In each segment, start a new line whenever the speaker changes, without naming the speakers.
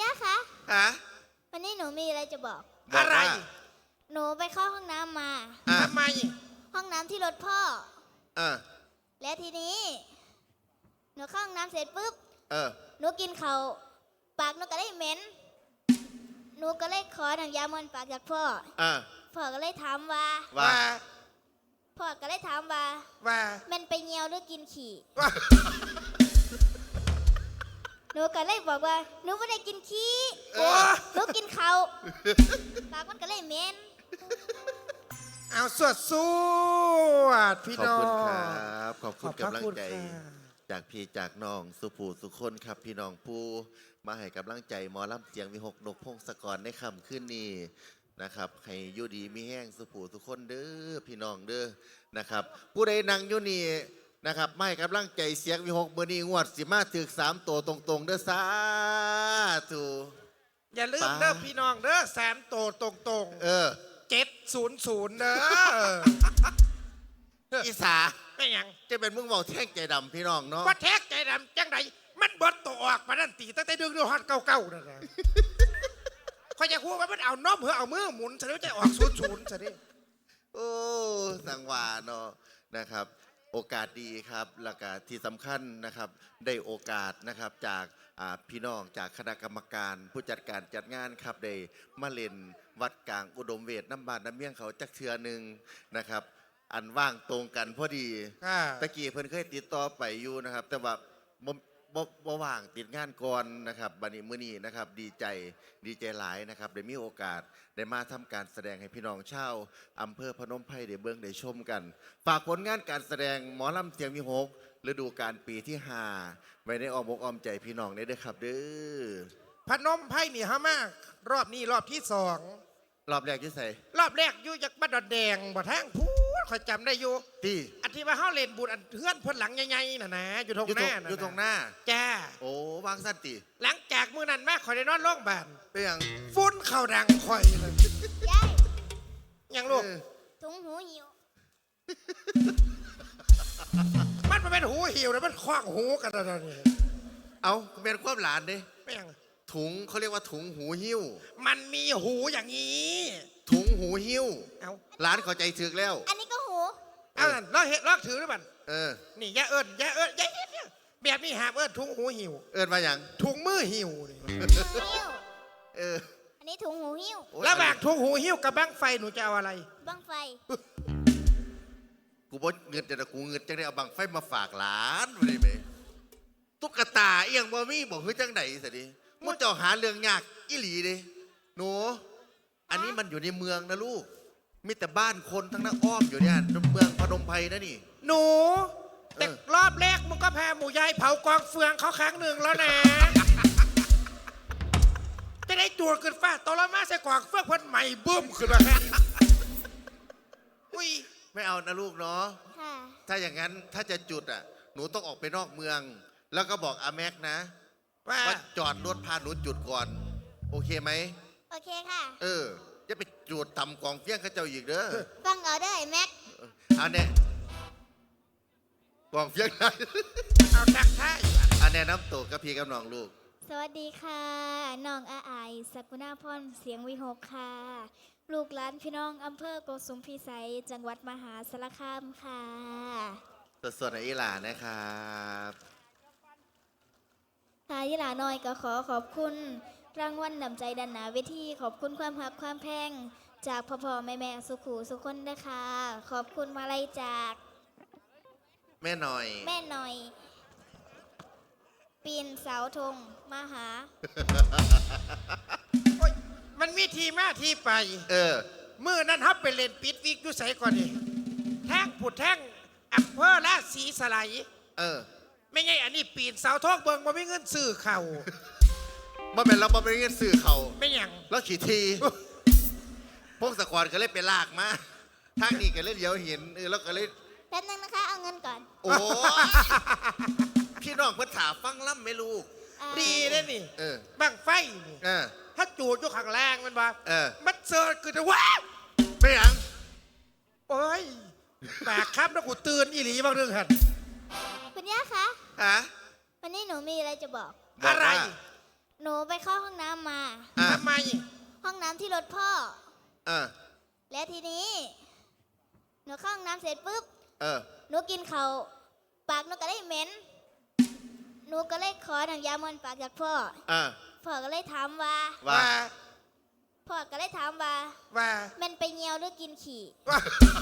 ย่าคะ
ฮะ
วันนี้หนูมีอะไรจะบอก
อะไร
หนูไปเข้าห้องน้ำมา
ทำไม
ห้องน้ำที่รถพ่อ
เออ
และทีนี้หนูเข้าห้องน้ำเสร็จปุ๊บ
เออ
หนูกินข้าวปากหนูก็เลยเหม็นหนูก็เลยขอน้ำยามันปากจากพ่อพ่อก็เลยถามว่าพ่อก็เลยถามว่ามันไปเงียวหรือกินขี่หนูก็เลยบอกว่าหนูไม่ได้กินขี้หนูกินข้าวปากมันก็เลยเหม็น
เอาสวดพี่น้อง
ขอบคุณครับขอบคุณกำลังใจจากพี่จากน้องสุภูสุคนครับพี่น้องผู้มาให้กำลังใจหมอลำเสียงวิหกนกพงศกรในค่ำคืนนี้นะครับให้อยู่ดีมีแห้งสุภูสุคนเด้อพี่น้องเด้อนะครับผู้ใดนั่งอยู่นี่นะครับไม่กำลังใจเสียงวิหกเบอร์นี้งวดสิมาถึก3 ตัวตรงๆเด้อสาธุ
อย่าลืมเด้อพี่น้องเด้อ3 ตัวตรง700เด้อ
อีสา
ไม่ยัง
จะเป็นมึงบอกแท่งใจดำพี่น้องเนาะ
ว่าแท็กใจดำจังไรมันบดตัวออกมาดันตีตั้งแต่ดึงฮอตเก่าๆนั่นแหละเขาจะพูดว่ามันเอาน้อมเอามือหมุนเสร็จแล้วจะออก00ซะดิ
โอ้สังวาเนาะนะครับโอกาสดีครับแล้วก็ที่สำคัญนะครับได้โอกาสนะครับจากพี่น้องจากคณะกรรมการผู้จัดการจัดงานครับได้มาเล่นวัดกลางอุดมเวทน้ำบานน้ำเมี่ยงเขาจักเทือหนึ่งนะครับอันว่างตรงกันพอดีตะกี้เพิ่นเคยติดต่อไปอยู่นะครับแต่ว่าบ่ว่างติดงานก่อนนะครับบัดนี้มื้อนี้นะครับดีใจหลายนะครับได้มีโอกาสได้มาทำการแสดงให้พี่น้องชาวอำเภอพนมไพรได้เบิ่งได้ชมกันฝากผลงานการแสดงหมอลำเสียงวิหกฤดูกาลปีที่5ไว้ในอ้อมอกอ้อมใจพี่น้องได้เด้อครับเด้อ
พนมไพรนี่ฮะมากรอบนี้รอบที่2
รอบแรกอยู่ไส
รอบแรกอยู่จากบ้านดอนแดงบ่ทางพูดข่อยจำได้อยู่
ที่
อันที่ว่าเฮาเล่นบุญอันเพื่อนเพิ่นหลังใหญ่ๆน่ะนะอยู่ตรงหน้า
อยู่ตรงหน้า
จ้า
โอ้วางสั้นติ
หลังจากมื้อนั้นแม่ข่อยได้นอนโรงพยาบาล
เป็นหยัง
ฝุ่นเข้าดังข่อยเลย
ยาย
ยังลูก
ถุงหูหิว
มันเป็นหูหิวแล้วมันคว้างหูกันตอนนี้
เอาเป็นความหลานดิ
ไม่ยัง
ถุงเขาเรียกว่าถุงหูหิ้ว
มันมีหูอย่างนี้
ถุงหูหิ้ว
เอา
ร้านเข้าใจถึกแล้ว
อันนี้ก็หู
เอาเราเห็นลอกถือหรือเปล่านี่ย่าเอิญแบบนี้หาเอิญถุงหูหิว
เอิญมาอย่าง
ถุงมือหิว
อันนี้ถุงหูหิ้ว
แล้วแบบถุงหูหิ้วกับบั้งไฟหนูจะเอาอะไร
บั้งไฟ
กูบอกเงินแต่กูเงินจังได้เอาบังไฟมาฝากหลานมาได้ไหมตุ๊กตาเอียงบ่มีบอกเฮ้ยจังไหนสิดิมุดเจ้าหาเรื่องยากอีหลีดิหนูอันนี้มันอยู่ในเมืองนะลูกมีแต่บ้านคนทั้งนั้นอ้อมอยู่เนี่ยเมืองพนมไพรนะนี่
หนูแต่รอบแรกมึงก็แพ้หมูยายเผากองเฟืองเขาครั้งหนึ่งแล้วนะจะได้จูดขึ้นฟ้าตอละมาใส่กองเฟืองพันใหม่บึ้มขึ้นมาแค่
อุ้ยไม่เอานะลูกเนาะถ้าอย่างนั้นถ้าจะจุดอ่ะหนูต้องออกไปนอกเมืองแล้วก็บอกอาแม็กนะว่าจอดรถพาหนูจุดก่อนโอเคไหม
โอเคค่ะ
จะไปจุดทำกองเฟี้ยงข้าเจ้าอีกเด้อ
ฟังเอาได้แม็ก
อันนี้กองเฟี้ยงได้
เอาทักทาย
อันนี้น้ำตกกับพี่กับน้องลูก
สวัสดีค่ะน้องอาไอสกุณาพรเสียงวิหกค่ะลูกหลานพี่น้องอำเภอโกสุมพิสัยจังหวัดมหาสารคามค่ะ
สดๆในอีหลานะครับ
ทายอีหลาน้อยก็ขอบคุณรางวัลนำใจดันหนาเวทีขอบคุณความหักความแพงจากพ่อแม่สุขูสุคนนะคะขอบคุณมาลัยจาก
แม่หน่อย
ปีนเสาธงมาหา
มันมีทีมาที่ไปมื่อนั้นฮับไปเล่นปิดวิกอยู่ใส่ก่อนดิแท่งผุดแท่งอำเภอราศีสไลไม่ไงอันนี้ปีนเสาทองเบิงมาไม่เงินซื้อเข่า
มาเป็นเราไม่เงินซื้อเข่า
ไม่ยัง
แล้วขี่ทีพวกสควอตก็เลยไปลากมาทางนี้ก็เลยเดี๋ยวเห็นแล้วก็เลย
แป๊บนึงนะคะเอาเงินก่อน
โอ้พี่น้องเพิ่นถาฟังล่ำไม่รู้
ดีเลยนี่บังไฟถ้าจูดอยู่ข้างล่างมันบ้ามันเซิร์คือจะว้า
ไม่ยัง
โอ้ยแปลกครับแล้วกูตื่นอีหลีบางเรื่องหัน
คุณย่าคะวันนี้หนูมีอะไรจะบอก
อะไร
หนูไปเข้าห้องน้ำน้ำที่รถพ่อ
เออ
และทีนี้หนูเข้าห้องน้ำเสร็จปุ๊บ
เออ
หนูกินเขาวปากหนูก็เลยเหม็นหนูก็เลยขอน้ำยามันปากจากพ่อ พ่อก็เลยถามว่า
ว่า
พ่อก็เลยถามว่า
ว่า
มันไปเงียวหรือกินขี่
ว่า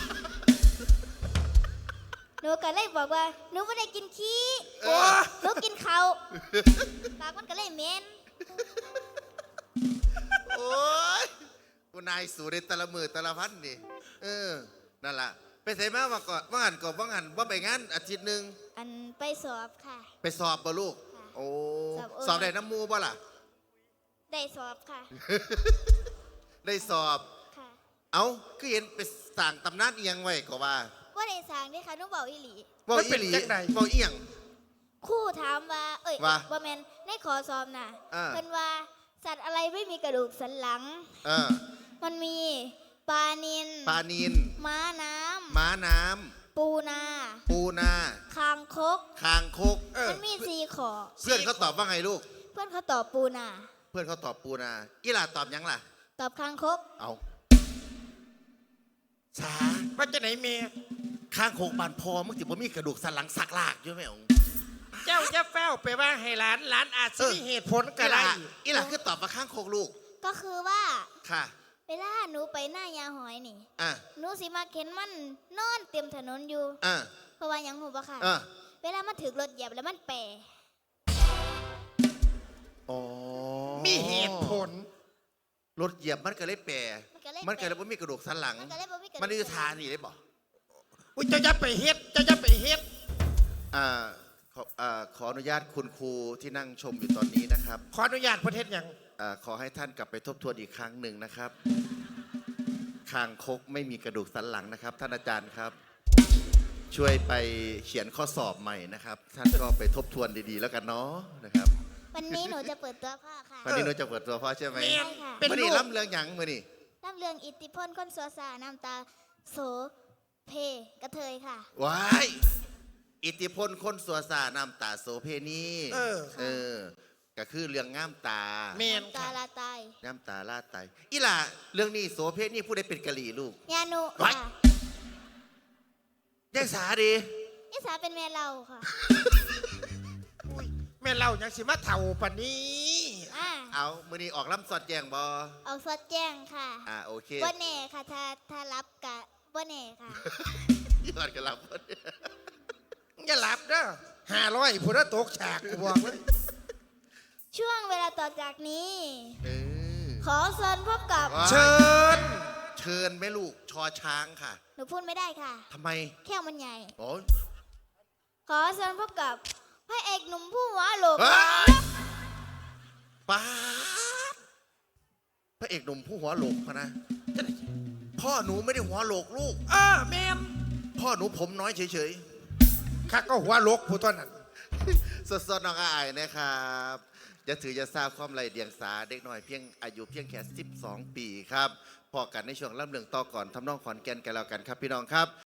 หนูก็เลยบอกว่าหนูไม่ได้กินขี้
โอ้
หนูกินเขาวปากมันก็เลยเหม็น
โอ้ยกูนายสู่ในแต่ละมือแต่ละพันนี่นั่นล่ะไปใส่มาว่าก่อนว่างันก่อนว่างันว่าไปงานอาทิตย์หนึ่ง
อันไปสอบค่ะ
ไปสอบบ่ลูก
ค่ะ
โอ้
สอบโอ
สอบได้น้ำมูบ่ล่ะ
ได้สอบค่ะ
ได้สอบ
ค่ะ
เอาก็เห็นไปสั่งตำนานเอียงไว้ก็ว่า
ว่าได้สั่งด้วยค่ะหนูบอกอีหลี
บอกอีหลีบอกเอียง
ครู่ถามว่า เอ้ย
ว่า
บ่แมนในขอสอบน่ะ
อ่า
เพิ่นว่าสัตว์อะไรไม่มีกระดูกสันหลัง
เออ
มันมีปลานิล
ปลานิน
ม้าน้
ม้าน้
ำปูนา
ำปูนา
คางคก
คางคก
มันมี4ขอ
เพื่อนเขาตอบว่าไงลูก
เพื่อนเขาตอบปูนา
เพื่อนเขาตอบปูนาอีหล่าตอบหยังล่ะ
ตอบคางคก
เอาสา
ว่าจะไหนเมีย
ข้างโคกบานพอมึงติบ่มีกระดูกสันหลังสักลากอยู่ไหมอง
เจ้าจะแฟ้วไปว่าให้หลานอาจจะมีเหตุผลก็ได้
อีหล่าคือตอบมาข้างโคกลูก
ก็คือว่า
ค่ะ
เวลาหนูไปหน้ายาหอยนี่
อ่ะ
หนูสิมาเข็นมันนอนเต็มถนนอยู่
อ่ะ
เพราะว่าหยังหูบ่ค่ะ
อ่ะ
เวลามันถึกรถเหยียบแล้วมันแปร
อ๋อ
มีเหตุผล
รถเหยียบมันก็เลยแปร
มันก็เลย
บ่มีกระดูกสันหลัง
มันก็เลยบ่มีกระดูก
มันคือทานี่ได้บ่
อุ้ยเจ้าจะไปเฮ็ดเจ้าจะไปเฮ็ด
ขออนุญาตคุณครูที่นั่งชมอยู่ตอนนี้นะครับ
ขออนุญาตประเทศยัง
ขอให้ท่านกลับไปทบทวนอีกครั้งหนึ่งนะครับคางคกไม่มีกระดูกสันหลังนะครับ ท่านอาจารย์ครับ ช่วยไปเขียนข้อสอบใหม่นะครับ ท่านก็ไปทบทวนดีๆ แล้วกันเนาะนะครับ
วันนี้หนูจะเปิดตัวพ่อค่ะ
วันนี้เราจะเปิดตัวพ่อใช่ไหม
เมีย
ค่ะ
เป็น
วัน
ลู
นี้
ก
ล่ำเรืองหยังมือนี่
น้ำเรื่องอิทธิพลคนสัวสาน้ำตาโสเพกระเทยค่ะ
ว้ายอิทธิพลคนสัวสาน้ำตาโสเพณี
เออ
ก็คือเรื่องง่ามตา
เมียน
ตา
ค่ะ
ลาตาย
น้ำตาลาดไตอีหล่ะเรื่องนี้โสเพณีผู้ใดเป็นกะหรี่ลูก
ยานุ
ไว้
ค่ะ
ยังสาดี
นิสาเป็นแม่เราค่ะ
อุ้ยแม่เล่ายังสิมาเท่าปานนี้
อ่า
เอามือนี้ออกล่ำสอดแจงบอ
เอาสดแจ้งค่ะ
โอเค
บ่แน่ค่ะถ้ารับกะบ่แน่ค่ะ
ยอดกันรับ
อย่าหลับเด้อ500ผู้ละตกฉากกูบอกเลย
ช่วงเวลาต่อจากนี้
เออ
ขอเชิญพบกับ
ว้าย
เชิญ
เชิญแม่ลูกชอช้างค่ะ
หนูพูดไม่ได้ค่ะ
ทำไม
แค่มันใหญ่
โอ้ย
ขอเชิญพบกับพระเอกหนุ่มผู้หัวโหลก
เฮ้ยป้าดพระเอกหนุ่มผู้หัวโหลกพะนะพ่อหนูไม่ได้หัวโหลกลูก
แม่น
พ่อหนูผมน้อยเฉย
ข้าก็หัวลกผู้ต้นนั้น
ๆ สดๆน้องอายนะครับจะถือจะทราบความไรเดียงสาเด็กน้อยเพียงอายุเพียงแค่12 ปีครับพอกันในช่วงล่ำเรื่องต่อก่อนทำนองขอนแก่นกันแล้วกันครับพี่น้องครับ